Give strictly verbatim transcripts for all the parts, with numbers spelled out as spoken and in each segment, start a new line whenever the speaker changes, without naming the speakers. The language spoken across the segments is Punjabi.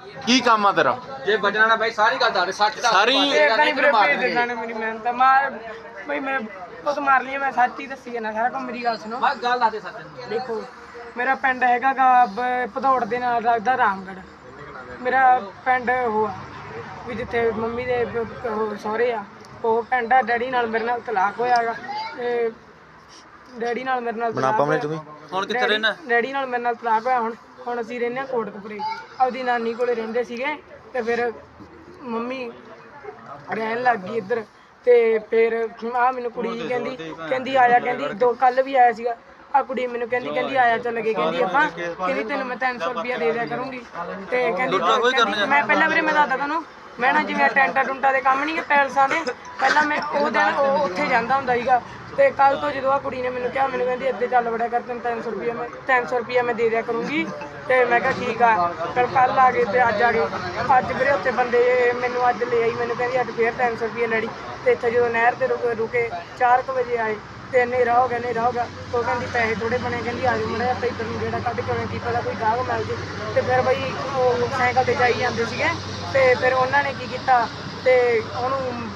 ਕੀ ਕੰਮ ਆ ਤੇਰਾ?
ਜੇ ਬਚਣਾ ਨਾ ਬਾਈ ਸਾਰੀ ਗੱਲ ਦੱਸ ਸੱਚ ਦਾ
ਸਾਰੀ
ਮੇਰੀ ਮਿਹਨਤ ਮਾਰ ਬਈ ਮੈਂ ਬਹੁਤ ਮਾਰ ਲਈ ਮੈਂ ਸੱਚ ਹੀ ਦੱਸੀ ਨਾ ਸਾਰਾ ਕੰਮ। ਮੇਰੀ ਗੱਲ ਸੁਣੋ
ਬਸ ਗੱਲ ਦੱਸ ਦੇ ਸੱਚ।
ਦੇਖੋ ਮੇਰਾ ਪਿੰਡ ਹੈਗਾ ਗਾ ਭਦੌੜ ਦੇ ਨਾਲ ਲੱਗਦਾ ਰਾਮਗੜ੍ਹ। ਮੇਰਾ ਪਿੰਡ ਉਹ ਆ ਵੀ ਜਿੱਥੇ ਮੰਮੀ ਦੇ ਉਹ ਸਹੁਰੇ ਆ ਉਹ ਪਿੰਡ ਆ। ਡੈਡੀ ਨਾਲ ਮੇਰੇ ਨਾਲ ਤਲਾਕ ਹੋਇਆ ਗਾ ਤੇ ਡੈਡੀ ਨਾਲ ਮੇਰੇ ਨਾਲ ਤਲਾਕ ਹੋਇਆ।
ਹੁਣ ਕਿੱਥੇ ਰਹਿਣਾ?
ਡੈਡੀ ਨਾਲ ਮੇਰੇ ਨਾਲ ਤਲਾਕ ਹੋਇਆ। ਹੁਣ ਹੁਣ ਅਸੀਂ ਰਹਿੰਦੇ ਹਾਂ ਕੋਟਕਪੁਰੇ ਆਪਦੀ ਨਾਨੀ ਕੋਲੇ ਰਹਿੰਦੇ ਸੀਗੇ ਤੇ ਫਿਰ ਮੰਮੀ ਰਹਿਣ ਲੱਗ ਗਈ ਇੱਧਰ ਤੇ ਫਿਰ ਆ ਮੈਨੂੰ ਕੁੜੀ ਕਹਿੰਦੀ ਕਹਿੰਦੀ ਆਇਆ ਕਹਿੰਦੀ ਦੋ ਕੱਲ ਵੀ ਆਇਆ ਸੀਗਾ ਆ ਕੁੜੀ ਮੈਨੂੰ ਕਹਿੰਦੀ ਕਹਿੰਦੀ ਆਇਆ ਚੱਲ ਗਏ ਕਹਿੰਦੀ ਆਪਾਂ ਕਹਿੰਦੀ ਤੈਨੂੰ ਮੈਂ ਤਿੰਨ ਸੌ ਰੁਪਇਆ ਦੇ ਦਿਆ ਕਰੂੰਗੀ ਤੇ ਕਹਿੰਦੀ ਮੈਂ ਪਹਿਲਾਂ ਵੀਰੇ ਮੈਂ ਦੱਸਦਾ ਤੁਹਾਨੂੰ ਮੈਂ ਨਾ ਜਿਵੇਂ ਟੈਂਟਾ ਟੁੰਟਾ ਦੇ ਕੰਮ ਨਹੀਂ ਟੈਲਸਾਂ ਦੇ ਪਹਿਲਾਂ ਮੈਂ ਉਹ ਦਿਨ ਉਹ ਉੱਥੇ ਜਾਂਦਾ ਹੁੰਦਾ ਸੀਗਾ ਤੇ ਕੱਲ ਤੋਂ ਜਦੋਂ ਆ ਕੁੜੀ ਨੇ ਮੈਨੂੰ ਕਿਹਾ ਮੈਨੂੰ ਕਹਿੰਦੀ ਇੱਥੇ ਚੱਲ ਵੜਿਆ ਕਰ ਤੈਨੂੰ ਤਿੰਨ ਸੌ ਰੁਪਇਆ ਮੈਂ ਤਿੰਨ ਸੌ ਰੁਪਇਆ ਮੈਂ ਦੇ ਦਿਆ ਕਰੂੰਗੀ ਤੇ ਮੈਂ ਕਿਹਾ ਠੀਕ ਆ। ਫਿਰ ਕੱਲ ਆ ਗਏ ਤੇ ਅੱਜ ਆ ਗਏ। ਅੱਜ ਵੀਰੇ ਉੱਥੇ ਬੰਦੇ ਮੈਨੂੰ ਅੱਜ ਲੈ ਆਈ ਮੈਨੂੰ ਕਹਿੰਦੀ ਅੱਜ ਫੇਰ ਤਿੰਨ ਸੌ ਰੁਪਇਆ ਲੈਣੀ ਤੇ ਇੱਥੇ ਜਦੋਂ ਨਹਿਰ ਤੇ ਰੁਕੇ ਰੁਕੇ ਚਾਰ ਕੁ ਵਜੇ ਆਏ ਤੇ ਹਨੇਰਾ ਹੋ ਗਿਆ ਹਨੇਰਾ ਹੋ ਗਿਆ ਉਹ ਕਹਿੰਦੀ ਪੈਸੇ ਥੋੜੇ ਬਣੇ ਕਹਿੰਦੀ ਆ ਜਾਓ ਮੜਾ ਆਪਾਂ ਇੱਧਰ ਨੂੰ ਜਿਹੜਾ ਕੱਢ ਕੇ ਆਉਣਾ ਕੀ ਪਤਾ ਕੋਈ ਗਾਹਕ ਮਿਲ ਜੇ ਤੇ ਫਿਰ ਬਈ ਉਹ ਸਾਈਕਲ ਤੇ ਜਾਈ ਜਾਂਦੇ ਸੀਗੇ ਤੇ ਫਿਰ ਉਹਨਾਂ ਨੇ ਕੀ ਕੀਤਾ ਤੇ ਉਹਨੂੰ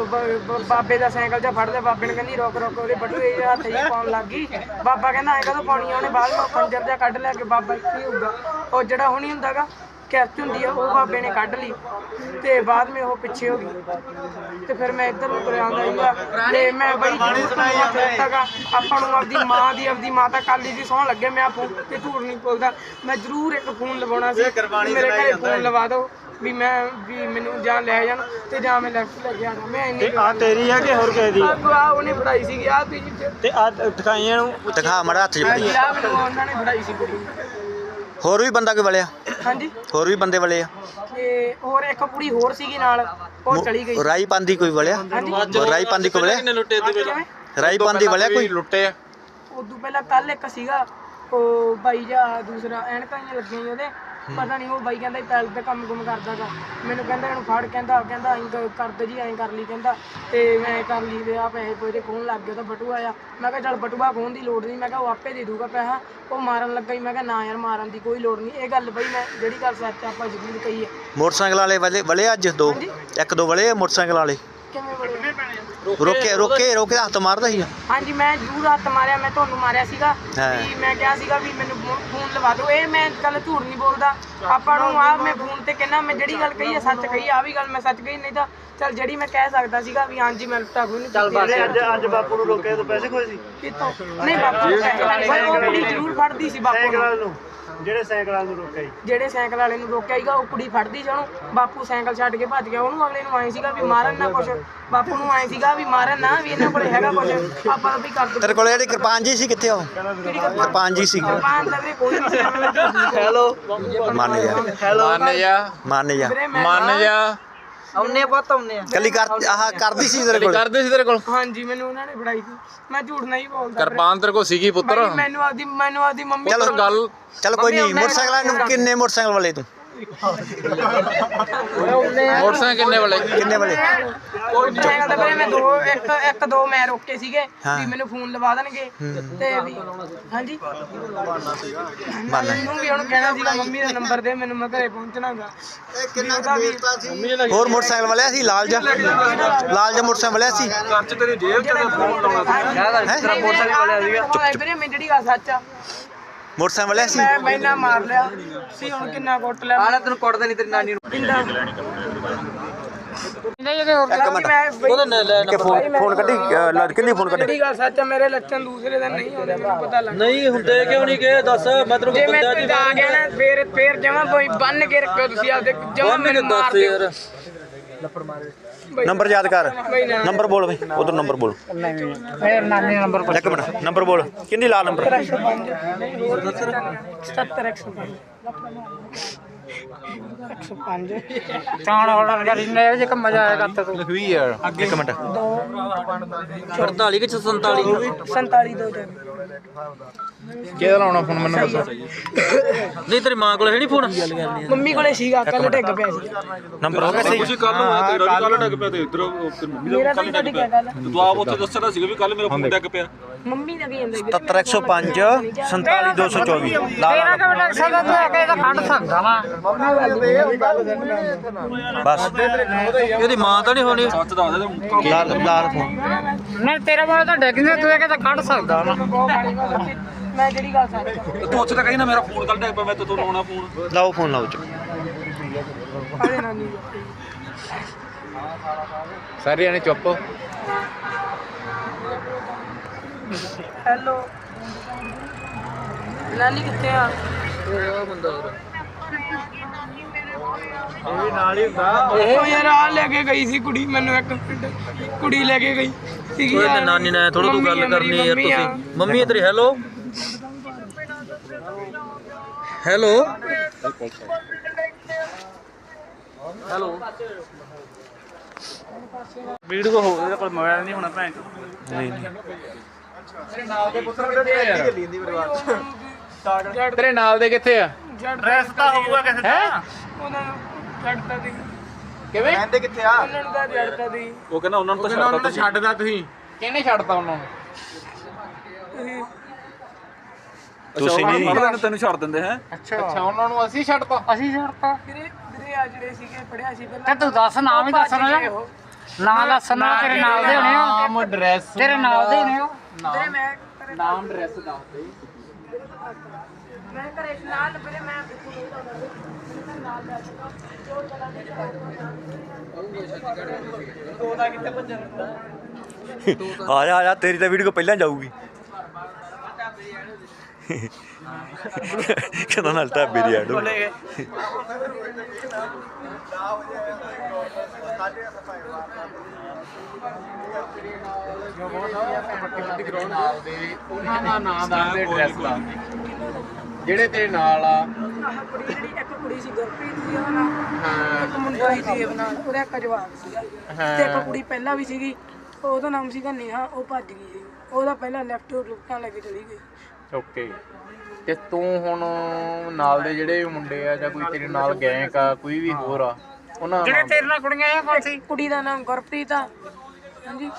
ਬਾਬੇ ਦਾ ਸਾਈਕਲ ਜਿਹਾ ਫੜਦੇ ਬਾਬੇ ਨੇ ਕਹਿੰਦੀ ਰੁਕ ਰੁਕ ਉਹਦੇ ਬਟੂਏ ਜਿਹੇ ਹੱਥ ਜਿਹੇ ਪਾਉਣ ਲੱਗ ਗਈ। ਬਾਬਾ ਕਹਿੰਦਾ ਐਂ ਕਦੋਂ ਪਾਉਣੀ ਆ ਉਹਨੇ ਬਾਅਦ ਵਿੱਚ ਖੰਜਰ ਜਿਹਾ ਕੱਢ ਲਿਆ ਕਿ ਬਾਬਾ ਕੀ ਹੋਊਗਾ ਉਹ ਜਿਹੜਾ ਹੁਣੀ ਹੁੰਦਾ ਗਾ ਕੈਚ ਹੁੰਦੀ ਆ ਉਹ ਬਾਬੇ ਨੇ ਕੱਢ ਲਈ ਤੇ ਬਾਅਦ ਵਿੱਚ ਉਹ ਪਿੱਛੇ ਹੋ ਗਈ ਤੇ ਫਿਰ ਮੈਂ ਇੱਧਰ ਨੂੰ ਤੁਰਿਆ ਆਉਂਦਾ ਸੀਗਾ ਤੇ ਮੈਂ ਬਈ ਦਿੱਤਾਗਾ ਆਪਾਂ ਨੂੰ ਆਪਦੀ ਮਾਂ ਦੀ ਆਪਦੀ ਮਾਤਾ ਕਾਲੀ ਦੀ ਸਹੁੰ ਲੱਗੇ ਮੈਂ ਫੋਨ ਤੇ ਝੂਠ ਨਹੀਂ ਬੋਲਦਾ ਮੈਂ ਜ਼ਰੂਰ ਇੱਕ ਫੋਨ ਲਵਾਉਣਾ ਸੀ ਮੇਰੇ ਘਰੇ ਫੋਨ ਲਵਾ ਦਿਓ ਵੀ ਮੈਂ ਵੀ ਮੈਨੂੰ ਜਾਂ ਲੈ ਜਾਣ ਤੇ ਜਾਂ ਮੈਂ ਲੈਫਟ ਲੈ ਕੇ ਆਣਾ ਮੈਂ ਇੰਨੀ
ਆ ਤੇਰੀ ਆ ਕਿ ਹੋਰ ਕਿਸੇ ਦੀ?
ਆ ਉਹਨੇ ਫੜਾਈ ਸੀਗੀ ਆ ਤੁਸੀਂ
ਤੇ ਆ ਦਿਖਾਈਆਂ ਨੂੰ ਦਿਖਾ ਮੜਾ ਹੱਥ 'ਚ ਫੜੀ
ਆ ਮੈਨੂੰ ਉਹਨਾਂ ਨੇ ਫੜਾਈ ਸੀ ਕੁੜੀ।
ਹੋਰ ਵੀ ਬੰਦਾ ਕੋਈ ਵਲਿਆ?
ਹਾਂਜੀ
ਹੋਰ ਵੀ ਬੰਦੇ ਵਲੇ ਆ
ਤੇ ਹੋਰ ਇੱਕ ਕੁੜੀ ਹੋਰ ਸੀਗੀ ਨਾਲ ਉਹ ਚਲੀ ਗਈ।
ਰਾਈ ਪਾਂਦੀ ਕੋਈ ਵਲਿਆ? ਰਾਈ ਪਾਂਦੀ ਕੋਈ ਵਲਿਆ?
ਲੁੱਟੇ ਤੇ
ਰਾਈ ਪਾਂਦੀ ਵਲਿਆ ਕੋਈ
ਲੁੱਟੇ ਆ?
ਉਦੋਂ ਪਹਿਲਾਂ ਕੱਲ ਇੱਕ ਸੀਗਾ ਉਹ ਬਾਈ ਜਾ ਦੂਸਰਾ ਐਨਕਾਂ ਹੀ ਲੱਗੀਆਂ ਸੀ ਉਹਦੇ ਪਤਾ ਨਹੀਂ ਉਹ ਬਾਈ ਕਹਿੰਦਾ ਪੈਲ ਤੇ ਕੰਮ ਕੁਮ ਕਰਦਾ ਗਾ ਮੈਨੂੰ ਕਹਿੰਦਾ ਇਹਨੂੰ ਫੜ ਕਹਿੰਦਾ ਕਹਿੰਦਾ ਐਂ ਕਰਦੇ ਜੀ ਐਂ ਕਰ ਲਈ ਕਹਿੰਦਾ ਤੇ ਮੈਂ ਕਰ ਲਈ ਤੇ ਆ ਪੈਸੇ ਕੋਈ ਖੋਹਣ ਲੱਗ ਗਿਆ ਤਾਂ ਬਟੂਆ ਆ ਮੈਂ ਕਿਹਾ ਚੱਲ ਬਟੂਆ ਖੋਹਣ ਦੀ ਲੋੜ ਨਹੀਂ ਮੈਂ ਕਿਹਾ ਉਹ ਆਪੇ ਦੇ ਦੂਗਾ ਪੈਸਾ ਉਹ ਮਾਰਨ ਲੱਗਾ ਹੀ ਮੈਂ ਕਿਹਾ ਨਾ ਯਾਰ ਮਾਰਨ ਦੀ ਕੋਈ ਲੋੜ ਨਹੀਂ ਇਹ ਗੱਲ ਬਈ ਮੈਂ ਜਿਹੜੀ ਗੱਲ ਸੱਚ ਆਪਾਂ ਜ਼ਰੂਰ ਕਹੀ ਹੈ।
ਮੋਟਰਸਾਈਕਲ ਵਾਲੇ ਵਲੇ ਵਲੇ ਅੱਜ ਦੋ ਇੱਕ ਦੋ ਵਲੇ ਮੋਟਰਸਾਈਕਲ ਵਾਲੇ
ਕਿਵੇਂ ਬੜੇ
ਰੋਕੇ ਰੋਕੇ ਰੋਕੇ ਹੱਥ ਮਾਰਦਾ ਸੀ?
ਹਾਂਜੀ ਮੈਂ ਜ਼ਰੂਰ ਹੱਥ ਮਾਰਿਆ ਮੈਂ ਤੁਹਾਨੂੰ ਮਾਰਿਆ ਸੀਗਾ ਵੀ ਮੈਂ ਕਿਹਾ ਸੀਗਾ ਵੀ ਮੈਨੂੰ ਫੋਨ ਲਵਾ ਦਿਓ ਇਹ ਮੈਂ ਗੱਲ ਝੂਠ ਨਹੀਂ ਬੋਲਦਾ ਆਪਾਂ ਨੂੰ ਆ ਮੈਂ ਫੋਨ ਤੇ ਕਹਿੰਦਾ ਮੈਂ ਜਿਹੜੀ ਗੱਲ ਕਹੀ ਹੈ ਸੱਚ ਕਹੀ ਆ ਵੀ ਗੱਲ ਮੈਂ ਸੱਚ ਕਹੀ ਨਹੀਂ ਤਾਂ ਚੱਲ ਜਿਹੜੀ ਮੈਂ ਕਹਿ ਸਕਦਾ ਸੀਗਾ ਵੀ ਹਾਂਜੀ ਮੈਂ ਲੁੱਟਾ ਕੋਈ ਨਹੀਂ ਚੱਲ ਬਸ
ਅੱਜ ਅੱਜ ਬਾਪੂ ਨੂੰ ਰੋਕਿਆ ਤਾਂ ਪੈਸੇ ਕੋਈ ਸੀ
ਕਿਤੋਂ ਨਹੀਂ ਬਾਪੂ ਉਹ ਕੁੜੀ ਜ਼ਰੂਰ ਫੜਦੀ ਸੀ ਬਾਪੂ ਨੂੰ
ਜਿਹੜੇ ਸਾਈਕਲ ਵਾਲੇ ਨੂੰ ਰੋਕਿਆ ਸੀ
ਜਿਹੜੇ ਸਾਈਕਲ ਵਾਲੇ ਨੂੰ ਰੋਕਿਆ ਸੀਗਾ ਉਹ ਕੁੜੀ ਫੜਦੀ ਸੀ ਉਹਨੂੰ ਬਾਪੂ ਸਾਈਕਲ ਛੱਡ ਕੇ ਭੱਜ ਗਿਆ ਉਹਨੂੰ ਅਗਲੇ ਨੂੰ ਆਏ ਸੀਗਾ ਵੀ ਮਾਰਨ ਨਾ ਕੁਛ ਬਾਪੂ ਨੂੰ ਆਏ ਸੀਗਾ ਵੀ ਮਾਰਨ ਨਾ ਵੀ ਇਹਨਾਂ ਕੋਲੇ ਹੈਗਾ ਕੁਛ ਆਪਾਂ ਵੀ ਕਰ ਦੋ।
ਤੇਰੇ ਕੋਲ ਜਿਹੜੀ ਕਿਰਪਾਨ ਜੀ ਸੀ ਕਿੱਥੇ ਉਹ ਕਿਰਪਾਨ ਜੀ ਸੀ?
ਕਿਰਪਾਨ ਤਾਂ ਕੋਈ ਨਹੀਂ ਸੀ।
ਹੈਲੋ ਮੰਨ ਜਾ
ਮੰਨ ਜਾ
ਮੰਨ ਜਾ
ਮੰਨ ਜਾ
ਆਉਨੇ ਬਹੁਤ ਆਉਨੇ ਆ
ਕੱਲੀ ਕਰ ਆਹ ਕਰਦੀ ਸੀ ਤੇਰੇ ਕੋਲ?
ਕਰਦੇ ਸੀ ਤੇਰੇ ਕੋਲ?
ਹਾਂਜੀ ਮੈਨੂੰ ਉਹਨਾਂ ਨੇ ਫੜਾਈ ਸੀ ਮੈਂ ਝੂਠ ਨਹੀਂ ਬੋਲਦਾ।
ਕਿਰਪਾਨ ਤੇਰੇ ਕੋਲ ਸੀਗੀ ਪੁੱਤਰ?
ਮੈਨੂੰ ਆਪਦੀ ਮੈਨੂੰ ਆਪਦੀ ਮੰਮੀ
ਚਲੋ
ਗੱਲ
ਚਲ ਕੋਈ ਨਹੀਂ ਮੋਟਰਸਾਈਕਲ ਨੂੰ ਕਿੰਨੇ ਮੋਟਰਸਾਈਕਲ ਵਾਲੇ ਤੂੰ?
ਮੋਟਰਸਾਈਕਲ ਕਿੰਨੇ ਵਾਲੇ?
ਕਿੰਨੇ ਵਾਲੇ?
ਮੋਟਰਸਾਈਕਲ ਤੇ ਮੈਂ ਦੋ ਇੱਕ ਇੱਕ ਦੋ ਮੈਂ ਰੋਕੇ ਸੀਗੇ ਵੀ ਮੈਨੂੰ ਫੋਨ ਲਵਾ ਦੇਣਗੇ ਤੇ ਵੀ ਹਾਂਜੀ ਮੈਨੂੰ ਵੀ ਉਹਨੂੰ ਕਹਿਣਾ ਸੀਗਾ ਮੰਮੀ ਦਾ ਨੰਬਰ ਦੇ ਮੈਨੂੰ ਮੈਂ ਘਰੇ ਪਹੁੰਚਣਾਗਾ।
ਹੋਰ ਮੋਟਰਸਾਈਕਲ ਵਾਲਿਆ ਸੀ ਲਾਲ ਜਾ ਲਾਲ ਜਾ ਮੋਟਰਸਾਈਕਲ ਵਾਲਿਆ ਸੀ?
ਕੱਚ ਤੇਰੀ ਜੇਬ ਚ ਫੋਨ ਲਾਉਣਾ ਸੀ।
ਤੇਰਾ ਮੋਟਰਸਾਈਕਲ ਵਾਲਿਆ ਸੀਗਾ?
ਵੀਰੇ ਮੈਂ ਜਿਹੜੀ ਗੱਲ ਸੱਚ ਆ
ਮੋਟਰਸਾਈਕਲ ਵਾਲਿਆ ਸੀ?
ਮੈਂ ਮੈਨਾਂ ਮਾਰ ਲਿਆ ਸੀ ਹੁਣ ਕਿੰਨਾ ਕੁੱਟ ਲਿਆ
ਆਲਾ ਤੈਨੂੰ ਕੁੱਟਦਾ ਨਹੀਂ ਤੇਰੀ ਨਾਨੀ ਨੂੰ।
ਇੱਕ ਮਿੰਟ ਉਹਦਾ ਫੋਨ ਫੋਨ ਕੱਢੀ ਕਿੰਨੀ ਫੋਨ ਕੱਢੀ?
ਜਿਹੜੀ ਗੱਲ ਸੱਚ ਆ ਮੇਰੇ ਲੱਛਣ ਦੂਸਰੇ ਦਿਨ ਨਹੀਂ ਆਉਂਦੇ ਮੈਨੂੰ ਪਤਾ ਲੱਗ
ਨਹੀਂ ਹੁੰਦੇ ਕਿਉਂ ਨਹੀਂ ਗਏ ਦੱਸ ਮੈਂ ਤੈਨੂੰ
ਜੇ ਮੈਂ ਆ ਗਿਆ ਨਾ ਫੇਰ ਫੇਰ ਜਮਾ ਕੋਈ ਬੰਨ ਕੇ ਰੱਖੋ ਤੁਸੀਂ ਆਪਦੇ ਜਮਾ ਮੈਨੂੰ ਮਾਰ ਦਿਓ।
ਨੰਬਰ ਯਾਦ ਕਰ ਨੰਬਰ ਬੋਲ ਬਈ ਉਧਰ ਨੰਬਰ ਬੋਲ
ਫੇਰ ਨਾਨੀ ਨੰਬਰ
ਇੱਕ ਮਿੰਟ ਨੰਬਰ ਬੋਲ ਕਿੰਨੀ ਲਾ ਨੰਬਰ?
ਸਤੱਤਰ ਇੱਕ ਸੌ ਪੰਜ ਇੱਕ ਸੌ ਪੰਜ ਚਾਣ ਆਰਡਰ ਕਰ ਇੰਨੇ ਜੇ ਕੰਮ ਮਜ਼ਾ ਆਏਗਾ ਤਾਂ
ਲਖਵੀ ਯਾਰ
ਇੱਕ ਮਿੰਟ
ਅੜਤਾਲੀ ਕਿ ਸੰਤਾਲੀ
ਸੰਤਾਲੀ ਦੋ
ਕਿਹਦਾ ਲਾਉਣਾ ਫੋਨ ਮੈਨੂੰ ਦੱਸੋ।
ਨਹੀਂ ਤੇਰੀ ਮਾਂ ਕੋਲ ਹੈ ਨਹੀਂ ਫੋਨ?
ਮੰਮੀ ਕੋਲੇ ਸੀਗਾ ਕੱਲ ਡਿੱਗ ਪਿਆ ਸੀ।
ਨੰਬਰ ਹੋ ਗਿਆ ਸਹੀ?
ਤੁਸੀਂ ਕੱਲ ਨੂੰ ਆਇਆ ਤੇਰਾ ਵੀ ਕੱਲ ਡਿੱਗ ਪਿਆ ਤੇ ਇਧਰ ਮੰਮੀ
ਮੇਰਾ ਤਾਂ ਤੁਹਾਡੀ ਕੀ ਗੱਲ
ਤੇ ਤੂੰ ਆਪ ਉੱਥੇ ਦੱਸਣਾ ਸੀਗਾ ਵੀ ਕੱਲ ਮੇਰਾ ਫੋਨ ਡਿੱਗ ਪਿਆ।
ਮੰਮੀ ਦਾ ਕੀ ਜਾਂਦਾ
ਸਤੱਤਰ ਇੱਕ ਸੌ ਪੰਜ ਸੰਤਾਲੀ ਦੋ ਸੌ ਚੌਵੀ
ਤੇਰਾ ਕਿਉਂ ਲੱਗ ਸਕਦਾ ਤੂੰ ਆ ਕੇ ਤਾਂ ਖੰਡ ਸਕਦਾ ਵਾ
ਬਸ
ਇਹਦੀ ਮਾਂ ਤਾਂ ਨਹੀਂ ਹੋਣੀ?
ਸੱਚ ਦੱਸ ਦੇ
ਲਾਲ ਲਾਲ ਫੋਨ
ਨਹੀਂ ਤੇਰਾ ਮੋਬਾਈਲ ਤਾਂ ਡਿੱਗ ਗਿਆ ਤੂੰ ਇਹ ਕਿਤੇ ਖੰਡ ਸਕਦਾ ਵਾ ਮੈਂ ਜਿਹੜੀ ਗੱਲ ਸੱਚ
ਤੂੰ ਉੱਥੇ ਤਾਂ ਕਹੀ ਨਾ ਮੇਰਾ ਫੋਨ ਕੱਲ ਡਿੱਗ ਪਿਆ ਮੈਂ ਤੇ ਤੂੰ ਲਾਉਣਾ ਫੋਨ।
ਲਾਓ ਫੋਨ ਲਾਓ ਚ
ਅਰੇ ਨਾਨੀ
ਸਾਰੇ ਜਾਣੇ ਚੁੱਪ।
ਹੈਲੋ ਨਾਨੀ ਕਿੱਥੇ ਆ? ਉਹ ਯਾਰ ਆ ਲੈ ਕੇ ਗਈ ਸੀ ਕੁੜੀ ਮੈਨੂੰ ਇੱਕ ਮਿੰਟ ਕੁੜੀ ਲੈ ਕੇ ਗਈ ਸੀਗੀ
ਓਏ ਤੇ
ਯਾਰ।
ਨਾਨੀ ਨੇ ਥੋੜਾ ਤੂੰ ਗੱਲ
ਮੰਮੀ ਆ,
ਕਰਨੀ ਯਾਰ
ਮੇਰੀ
ਤੁਸੀਂ।
ਮੰਮੀ
ਮੰਮੀ ਤੇਰੀ ਹੈਲੋ ਹੈਲੋ ਹੈਲੋ
ਵੀਡੀਓ ਹੋ ਗਿਆ ਪਰ ਮੋਬਾਈਲ ਨਹੀਂ ਹੋਣਾ ਭੈਣ
ਨਹੀਂ ਨਹੀਂ
ਤੇਰੇ ਨਾਲ ਦੇ ਕਿੱਥੇ ਆ?
ਡਰੈਸ ਤਾਂ ਹੋਊਗਾ ਕਿਸੇ
ਹੈ
ਉਹਨਾਂ ਨੂੰ ਛੱਡਤਾ ਦੀ
ਕਿਵੇਂ?
ਉਹਨਾਂ ਨੂੰ ਤਾਂ ਛੱਡਤਾ ਦੀ
ਉਹ ਕਹਿੰਦਾ ਉਹਨਾਂ ਨੂੰ ਤਾਂ
ਉਹਨਾਂ ਨੂੰ
ਛੱਡਤਾ
ਤਾਂ ਛੱਡਦਾ ਤੁਸੀਂ। ਕਿਹਨੇ ਛੱਡਤਾ ਉਹਨਾਂ ਨੂੰ?
ਤੁਸੀਂ
ਤੁਸੀਂ ਨਹੀਂ
ਪੜ੍ਹ ਲੈਣ ਤੈਨੂੰ ਛੱਡ ਦਿੰਦੇ ਹੈ।
ਅੱਛਾ ਅੱਛਾ ਉਹਨਾਂ ਨੂੰ ਅਸੀਂ ਛੱਡਤਾ।
ਅਸੀਂ ਛੱਡਤਾ ਵੀਰੇ ਵੀਰੇ ਆ ਜਿਹੜੇ ਸੀਗੇ ਪੜਿਆ ਸੀ ਪਹਿਲਾਂ
ਤੇ ਤੂੰ ਦੱਸ ਨਾਮ ਹੀ ਦੱਸਣਾ ਜਾਂ ਨਾਂ ਦੱਸਣਾ ਤੇਰੇ ਨਾਲ ਦੇ ਹੋਣੇ ਆ
ਨਾਮ ਐਡਰੈਸ
ਤੇਰੇ ਨਾਲ ਦੇ ਹੋਣੇ ਆ
ਵੀਰੇ ਮੈਂ ਘਰੇ-
ਨਾਮ ਐਡਰੈਸ ਦੱਸ ਦੇ।
ਮੈਂ ਘਰੇ ਨਾਲ ਵੀਰੇ ਮੈਂ ਨਾਲ ਲੈ ਸਕਦਾ ਜੋ ਚਲਾ
ਆ ਜਾ ਆ ਜਾ ਤੇਰੀ ਤਾਂ ਵੀਡੀਓ ਪਹਿਲਾਂ ਜਾਊਗੀ ਕਹਿੰਦਾ ਨਾਲ ਢਾਬੇ ਦੀ ਐਡ
ਨਾਲ ਦੇ ਉਹਨਾਂ ਦਾ ਨਾਮ ਦੱਸ ਦੇ, ਐਡਰੈਸ ਦੱਸ ਦੇ ਜਿਹੜੇ ਤੇਰੇ ਨਾਲ ਆ।
ਆਹ ਕੁੜੀ ਜਿਹੜੀ ਇੱਕ ਕੁੜੀ ਸੀ ਗੁਰਪ੍ਰੀਤ ਸੀ ਉਹਦਾ ਨਾਮ
ਹਾਂ
ਇੱਕ ਮੁੰਡਾ ਸੀ ਦੇਵ ਨਾਲ ਉਹਦਾ ਇੱਕ ਜਵਾਕ ਸੀਗਾ ਤੇ ਇੱਕ ਕੁੜੀ ਪਹਿਲਾਂ ਵੀ ਸੀਗੀ ਉਹਦਾ ਨਾਮ ਸੀਗਾ ਨੇਹਾ ਉਹ ਭੱਜ ਗਈ ਸੀ ਉਹਦਾ ਪਹਿਲਾਂ ਲੈਫਟ ਰੁਕਟਾਂ ਲੈ ਕੇ ਚਲੀ ਗਈ।
ਓਕੇ ਤੇ ਤੂੰ ਹੁਣ ਨਾਲ ਦੇ ਜਿਹੜੇ ਮੁੰਡੇ ਆ ਜਾਂ ਕੋਈ ਤੇਰੇ ਨਾਲ ਗੈਂਗ ਆ ਕੋਈ ਵੀ ਹੋਰ ਆ ਉਹਨਾਂ ਦਾ
ਜਿਹੜੇ
ਨਾਮ
ਤੇਰੇ ਨਾਲ ਕੁੜੀਆਂ ਆ ਕੌਣ ਸੀ?
ਕੁੜੀ ਦਾ ਨਾਮ ਗੁਰਪ੍ਰੀਤ ਆ। ਹਾਂਜੀ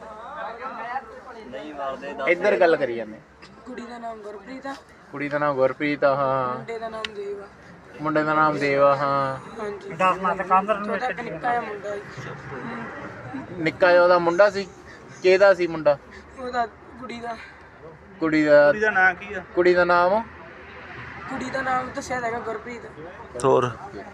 ਇੱਧਰ ਗੱਲ ਕਰੀ ਜਾਂਦੇ।
ਕੁੜੀ ਦਾ ਨਾਮ ਗੁਰਪ੍ਰੀਤ ਆ
ਕੁੜੀ ਦਾ ਨਾਮ ਗੁਰਪ੍ਰੀਤ ਆ ਹਾਂ,
ਮੁੰਡੇ ਦਾ ਨਾਮ ਦੇਵ ਆ।
ਮੁੰਡੇ ਦਾ ਨਾਮ ਦੇਵ ਆ ਹਾਂ।
ਹਾਂਜੀ
ਦਰਨਾ ਤੇ ਕਾਂਦਰ ਨੂੰ
ਉਹਦਾ ਇੱਕ ਨਿੱਕਾ ਜਿਹਾ ਮੁੰਡਾ ਸੀ
ਨਿੱਕਾ ਜਿਹਾ ਉਹਦਾ ਮੁੰਡਾ ਸੀ। ਕਿਹਦਾ ਸੀ ਮੁੰਡਾ?
ਉਹਦਾ ਕੁੜੀ ਦਾ
ਕੁੜੀ ਦਾ
ਦਾ ਨਾਂ ਕੀ ਆ?
ਕੁੜੀ ਦਾ ਨਾਮ
ਕੁੜੀ ਦਾ ਨਾਮ ਦੱਸਿਆ ਹੈਗਾ ਗੁਰਪ੍ਰੀਤ।
ਹੋਰ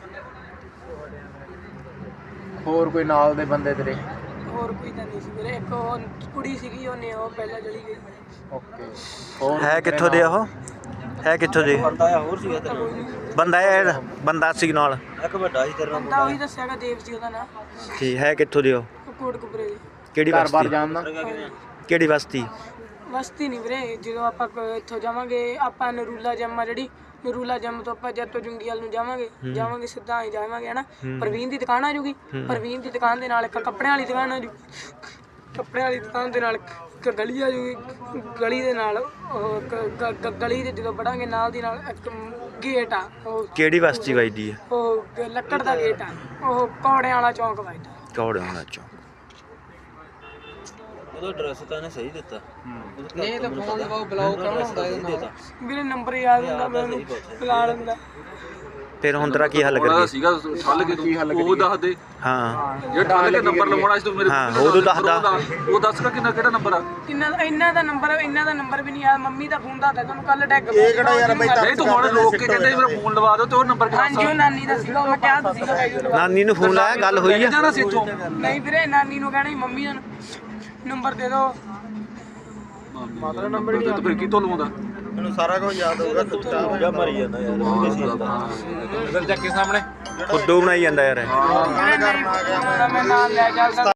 ਹੋਰ ਕੋਈ ਨਾਲ ਦੇ ਬੰਦੇ ਤੇਰੇ?
ਹੋਰ ਕੋਈ ਤਾਂ ਨਹੀਂ ਸੀ ਵੀਰੇ ਇੱਕ ਉਹ ਕੁੜੀ ਸੀਗੀ ਉਹਨੇ ਉਹ ਪਹਿਲਾਂ ਚਲੀ ਗਈ।
ਓਕੇ ਹੋਰ
ਹੈ ਕਿੱਥੋਂ ਦੇ ਉਹ ਹੈ ਕਿੱਥੋਂ ਦੇ
ਬੰਦਾ ਹੋਰ ਸੀਗਾ ਤੇਰਾ
ਬੰਦਾ ਇਹ ਬੰਦਾ ਸੀ ਨਾਲ
ਇੱਕ ਵੱਡਾ ਸੀ ਤੇਰਾ
ਬੰਦਾ ਉਹੀ ਦੱਸਿਆ ਹੈਗਾ ਦੇਵ ਸੀ ਉਹਦਾ ਨਾਮ
ਠੀਕ ਹੈ ਕਿੱਥੋਂ ਦੇ ਉਹ
ਉਹ ਕੋਟਕਪੁਰੇ ਦੀ
ਕਿਹੜੀ
ਘਰ ਬਾਰ
ਬਸਤੀ
ਜਾਣਦਾ?
ਕਿਹੜੀ ਬਸਤੀ
ਬਸਤੀ ਨਹੀਂ ਵੀਰੇ ਜਦੋਂ ਆਪਾਂ ਕ- ਇੱਥੋਂ ਜਾਵਾਂਗੇ ਆਪਾਂ ਨਰੂਲਾ ਜੰਮ ਆ ਜਿਹੜੀ ਨਰੂਲਾ ਜੰਮ ਤੋਂ ਆਪਾਂ ਜੱਤੋ ਜੁੰਗੀਵਾਲ ਨੂੰ ਜਾਵਾਂਗੇ ਜਾਵਾਂਗੇ ਸਿੱਧਾ ਹੀ ਜਾਵਾਂਗੇ ਹਨਾ ਪ੍ਰਵੀਨ ਦੀ ਦੁਕਾਨ ਆ ਜੂਗੀ ਪ੍ਰਵੀਨ ਦੀ ਦੁਕਾਨ ਦੇ ਨਾਲ ਇੱਕ ਕੱਪੜਿਆਂ ਵਾਲੀ ਦੁਕਾਨ ਆ ਜੂ ਕੱਪੜਿਆਂ ਵਾਲੀ ਦੁਕਾਨ ਦੇ ਨਾਲ ਇੱਕ ਗਲੀ ਆ ਜੂਗੀ ਗਲੀ ਦੇ ਨਾਲ ਉਹ ਗ- ਗ- ਗ- ਗਲੀ ਦੇ ਜਦੋਂ ਵੜਾਂਗੇ ਨਾਲ ਦੀ ਨਾਲ ਇੱਕ ਗੇਟ ਆ ਉਹ
ਕਿਹੜੀ ਬਸਤੀ ਵੱਜਦੀ ਹੈ
ਉਹ ਗ- ਲੱਕੜ ਦਾ ਗੇਟ ਆ ਉਹ ਕੌੜਿਆਂ ਵਾਲਾ ਚੌਂਕ ਵੱਜਦਾ।
ਕੌੜੇ ਹੋਣਾ ਚੋਂ
ਉਹਦਾ ਐਡਰੈਸ ਤਾਂ ਇਹਨੇ ਸਹੀ ਦਿੱਤਾ।
ਨਹੀਂ ਤਾਂ ਫੋਨ ਲਗਾਓ ਬਲੌਕ ਕੌਣ ਹੁੰਦਾ ਇਹਦਾ?
ਵੀਰੇ ਨੰਬਰ ਯਾਦ ਹੁੰਦਾ ਮੈਨੂੰ ਬੁਲਾ ਲੈਂਦਾ।
ਫਿਰ ਹੁਣ ਤੇਰਾ ਕੀ ਹੱਲ
ਉਹਦਾ
ਕਰੀਏ
ਸੀਗਾ ਠੱਲ ਕੇ ਤੂੰ ਉਹ ਦੱਸ ਦੇ
ਹਾਂ
ਜੇ ਠੱਲ ਕੇ ਨੰਬਰ ਲਵਾਉਣਾ ਸੀ ਤੂੰ ਮੇਰੇ
ਹਾਂ, ਉਦੋਂ ਦੱਸਦਾ।
ਉਹ ਦੱਸ ਕਿ ਕਿੰਨਾ ਕਿਹੜਾ ਨੰਬਰ ਆ?
ਕਿੰਨਾ ਇਹਨਾਂ ਦਾ ਨੰਬਰ ਇਹਨਾਂ ਦਾ ਨੰਬਰ ਵੀ ਨਹੀਂ ਯਾਦ ਮੰਮੀ ਦਾ ਫੋਨ ਦਾ ਤੁਹਾਨੂੰ ਕੱਲ ਡੈਗ ਇਹ ਕਿਹੜਾ ਯਾਰ
ਨਹੀਂ ਤੂੰ ਹੁਣ ਰੋਕ ਕੇ ਕਹਿੰਦੇ ਮੇਰਾ ਫੋਨ ਲਵਾ ਦਿਓ ਤੇ ਉਹ ਨੰਬਰ ਕਿਹੜਾ
ਹਾਂਜੀ ਉਹ ਨਾਨੀ ਦਾ ਸੀਗਾ ਉਹ ਮੈਂ ਕਿਹਾ ਤਾਂ ਸੀਗਾ
ਨਾਨੀ ਨੂੰ ਫੋਨ ਲਾਇਆ ਗੱਲ ਹੋਈ ਆ
ਜਾਣਾ ਸੀ ਇੱਥੋਂ
ਨਹੀਂ ਵੀਰੇ ਨਾਨੀ ਨੂੰ ਕਹਿਣਾ ਸੀ ਮੰਮੀ ਦਾ ਨੰਬਰ ਦੇ ਦਿਓ।
ਮਤਲਬ ਨੰਬਰ ਨਹੀਂ ਆ ਫਿਰ ਕੀ ਤੋਂ ਲਵਾਉਂਦਾ?
ਮੈਨੂੰ ਸਾਰਾ ਕੁਝ ਯਾਦ ਹੋਊਗਾ ਤੂੰ ਤਾਂ ਮਰੀ ਜਾਂਦਾ ਯਾਰ
ਇਧਰ ਚੱਕ ਕੇ ਸਾਹਮਣੇ
ਖੁੱਡੂ ਬਣਾਈ ਜਾਂਦਾ ਯਾਰ ਇਹ।
ਵੀਰੇ ਨਹੀਂ ਮੈਂ ਨਾਲ ਲੈ ਚੱਲਦਾ